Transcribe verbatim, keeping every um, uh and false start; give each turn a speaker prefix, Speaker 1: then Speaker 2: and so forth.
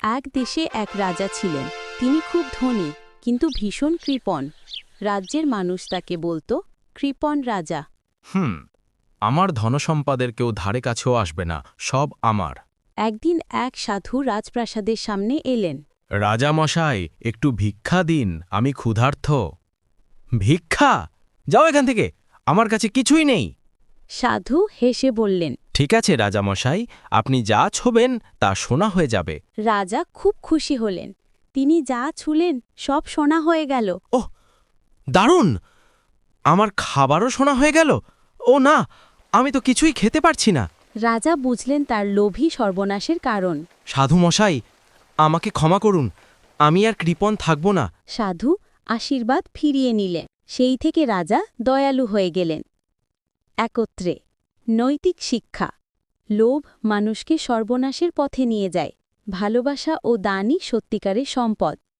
Speaker 1: এক দেশে এক রাজা ছিলেন। তিনি খুব ধনী কিন্তু ভীষণ কৃপণ। রাজ্যের মানুষ তাকে বলতো কৃপণ রাজা।
Speaker 2: হুম আমার ধনসম্পদের কেউ ধারে কাছেও আসবে না, সব আমার।
Speaker 1: একদিন এক সাধু রাজপ্রাসাদের সামনে এলেন।
Speaker 2: রাজা মশাই, একটু ভিক্ষা দিন, আমি ক্ষুধার্ত। ভিক্ষা? যাও এখান থেকে, আমার কাছে কিছুই নেই।
Speaker 1: সাধু হেসে বললেন।
Speaker 2: ঠিক আছে রাজা মশাই, আপনি যা ছোবেন তা সোনা হয়ে যাবে।
Speaker 1: রাজা খুব খুশি হলেন। তিনি যা ছুলেন সব সোনা হয়ে গেল।
Speaker 2: ওহ, দারুণ! আমার খাবারও সোনা হয়ে গেল। ও না, আমি তো কিছুই খেতে পারছি না।
Speaker 1: রাজা বুঝলেন তার লোভী সর্বনাশের কারণ।
Speaker 2: সাধু মশাই, আমাকে ক্ষমা করুন, আমি আর কৃপণ থাকব না।
Speaker 1: সাধু আশীর্বাদ ফিরিয়ে নিলেন। সেই থেকে রাজা দয়ালু হয়ে গেলেন। একত্রে নৈতিক শিক্ষা। লোভ মানুষকে সর্বনাশের পথে নিয়ে যায়। ভালোবাসা ও দানই সত্যিকারের সম্পদ।